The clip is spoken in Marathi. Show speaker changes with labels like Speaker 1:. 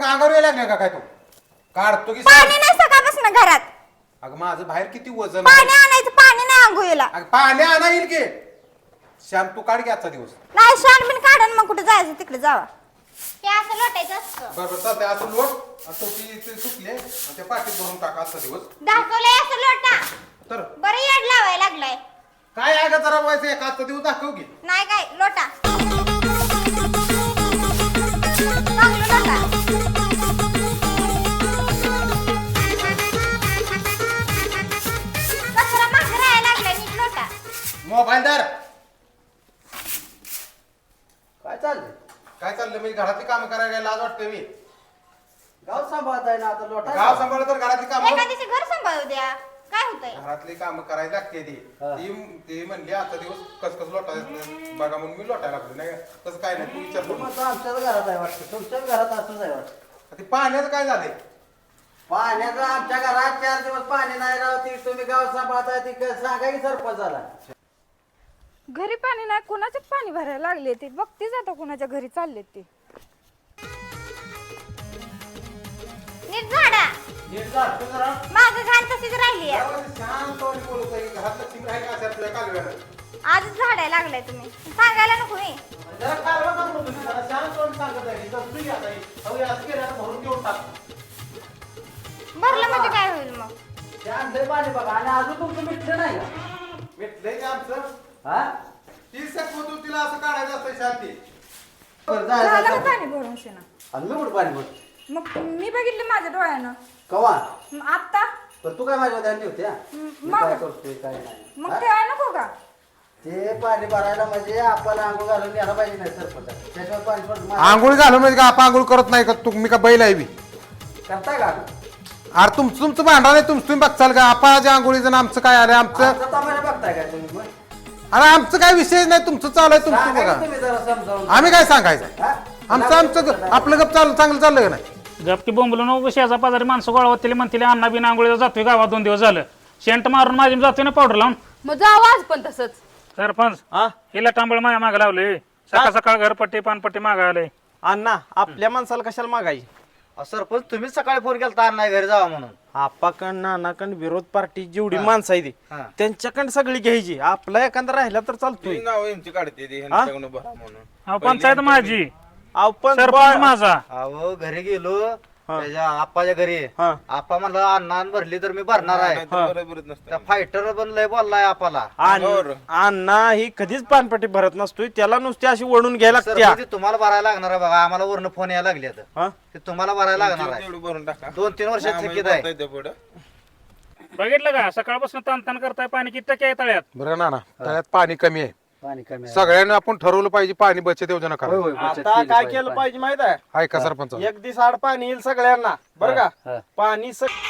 Speaker 1: अंगावर यायला लागले का काय तू काढतो की
Speaker 2: पाणी नाही सकाळपासून घरात.
Speaker 1: अगं माझं बाहेर किती वजन
Speaker 2: पाणी आणायचं, पाणी नाही आंघोळीला.
Speaker 1: अगं पाणी आणा येईल की श्याम तू काढ की आजचा दिवस.
Speaker 2: नाही शान बिन काढून मग कुठे जायचं तिकडे जावा. ते असं लोटायचं असतं.
Speaker 1: बरोबर चालतंय असं लोट आणि टोपी ते सुकले आणि त्या पाठीत भरून टाका आजचा दिवस.
Speaker 2: दाखवलंय असं लोटा.
Speaker 1: तर
Speaker 2: बरं येड लावायला लागलाय.
Speaker 1: काय आहे का जरा व्हायचं एक आजचा दिवस दाखव की.
Speaker 2: नाही काय लोटा. चांगलं लोटा. कचरा मागे राहायला लागलाय, नीट लोटा.
Speaker 1: मोबाईल दार
Speaker 3: काय चाललंय?
Speaker 1: काय चाललं मी घरातली कामं करायला लाज वाटते मी.
Speaker 3: गाव सांभाळताय ना आता लोटा.
Speaker 1: गाव सांभाळलं तर घरातली कामं
Speaker 2: एखाद्याचे घर सांभाळू द्या. काय होतंय?
Speaker 1: घरातली कामं करायला लागते
Speaker 3: हा.
Speaker 1: ती म्हणली आजचा दिवस कस लोटायचं बघा म्हणून मी लोटायला लागलो नाही का? तसं काय नाही तू विचार करू
Speaker 3: मग आमच्याच घरात आहे वाटतं, तुमच्याच घरात असंच आहे वाटतं.
Speaker 1: ते पाण्याचं काय झालंय.
Speaker 3: पाण्याचं आमच्या घरात 4 दिवस पाणी नाही राव. ती तुम्ही गाव सांभाळताय ती सांगा की सरपंचाला.
Speaker 4: घरी पाणी नाही, कोणाचे पाणी भरायला लागले ते बघतेच आता कोणाच्या घरी चालले ते.
Speaker 2: नीट झाडा.
Speaker 1: नीट जा, तू जरा.
Speaker 2: माझं घाण तशीच राहिली आहे.
Speaker 1: गावात शांतपणे बोलत आहे की घरातलं चिम राहील का असेल तुझ्या कालव्यानं.
Speaker 2: आजच झाडायला लागलाय तुम्ही. सांगायला नको मी.
Speaker 1: जरा कालवा का म्हणतो तुम्ही? जरा शांतपणे सांगत आहे. तर तू या ताई. अहो, हे असं केलं आता भरून घेऊन टाक.
Speaker 2: भरलं म्हणजे काय होईल मग?
Speaker 3: ते आणलंय पाणी बघा आणि अजून तुमचं मिटलं नाही का?
Speaker 1: भेटलंय का आमचं?
Speaker 3: हा?
Speaker 1: 30 सेकंद तिला असं काढायचं असतं शांती.
Speaker 3: बरं,
Speaker 4: झालं का
Speaker 3: जा.
Speaker 4: पाणी भरून शेणा?
Speaker 3: आणि मी कुठं पाणी भरतो?
Speaker 4: मग मी बघितलं माझ्या डोळ्यानं.
Speaker 3: कवा?
Speaker 4: आता
Speaker 3: तर तू काय माझ्या ध्यान ठेवते हा? मी
Speaker 4: मग?
Speaker 3: काय करतोय काय नाही
Speaker 4: मग
Speaker 3: हा?
Speaker 4: ठेवाय नको का?
Speaker 3: ते पाणी भरायला म्हणजे आपण आंघोळ घालून यायला पाहिजे नाही सरपंच. त्याच्यावर पाणी सोडून
Speaker 1: आंघोळ घालून म्हणजे का आपण आंघोळ करत नाही का तुम्ही का बैल आहे बी.
Speaker 3: करताय का?
Speaker 1: अरे तुमचं भांडण आहे तुम्ही बघचाल का आपण आंघोळीचं आणि आमचं काय आलं आमचं.
Speaker 3: आमचं तमाशा बघताय काय तुम्ही मग?
Speaker 1: अरे आमचं काय विषय नाही तुमचं चालू आहे तुमचं
Speaker 3: सांगा
Speaker 1: बघा.
Speaker 3: की तुम्ही जरा समजावून.
Speaker 1: आम्ही काय सांगायचं
Speaker 3: हा?
Speaker 1: आमचं आपलं गप चांगलं चाललंय का नाही.
Speaker 5: गपकी बोंबलो नको शेजा पाजारी माणसं गोळा होतील म्हणतील अण्णा बिन आंघोळीला जातोय गावात 2 दिवस झालं. शेंट मारून माझी जातोय ना पावडर लावून.
Speaker 4: मग जावं आज पण तसंच.
Speaker 5: सरपंच हिला टांबळ माया मागे लावले. सकाळ सकाळ घरपट्टी पानपट्टी मागा आले.
Speaker 6: अण्णा आपल्या माणसाला कशाला मागायची?
Speaker 3: सरपंच तुम्हीच सकाळी फोन केला तर नाही घरी जावा म्हणून.
Speaker 6: आपाकडं नानाकडं विरोध पार्टी जेवढी माणसं आहे ती
Speaker 3: हा.
Speaker 6: त्यांच्याकडं सगळी घ्यायची. आपला एखादा राहिला तर चालतोय.
Speaker 5: अहो पंचायत माझी,
Speaker 6: आपण
Speaker 5: सरपंच माझा.
Speaker 3: अहो घरी गेलो त्याच्या आप्पाच्या घरी.
Speaker 6: हा.
Speaker 3: आप्पा म्हणला अण्णा भरली तर मी भरणार आहे. त्या फायटर पण लय बोललाय आप्पाला.
Speaker 6: अण्णा ही कधीच पानपट्टी भरत नसतोय. त्याला नुसती अशी ओढून घ्यायला
Speaker 3: सर,
Speaker 6: लागते.
Speaker 3: ते तुम्हाला भरायला लागणार आहे बघा. आम्हाला वरनं फोन यायला लागले
Speaker 6: हा?
Speaker 3: ते तुम्हाला भरायला लागणार आहे. 2-3 वर्षात थकीत आहे.
Speaker 5: बघितलं का सकाळपासून ताण करताय. पाणी किती टक्के आहे तळ्यात?
Speaker 1: बरं ना त्यात पाणी कमी आहे.
Speaker 3: पाणी कमी आहे.
Speaker 1: सगळ्यांनी आपण ठरवलं पाहिजे पाणी बचत योजना
Speaker 3: होय, होय,
Speaker 1: करा.
Speaker 3: बचत
Speaker 6: आता
Speaker 3: केली
Speaker 6: काय
Speaker 3: पाहिजे.
Speaker 6: केलं पाहिजे माहित आहे?
Speaker 1: ऐका सरपंच
Speaker 6: एक दिवस आड पाणी येईल सगळ्यांना बरं
Speaker 3: हा.
Speaker 6: का. पाणी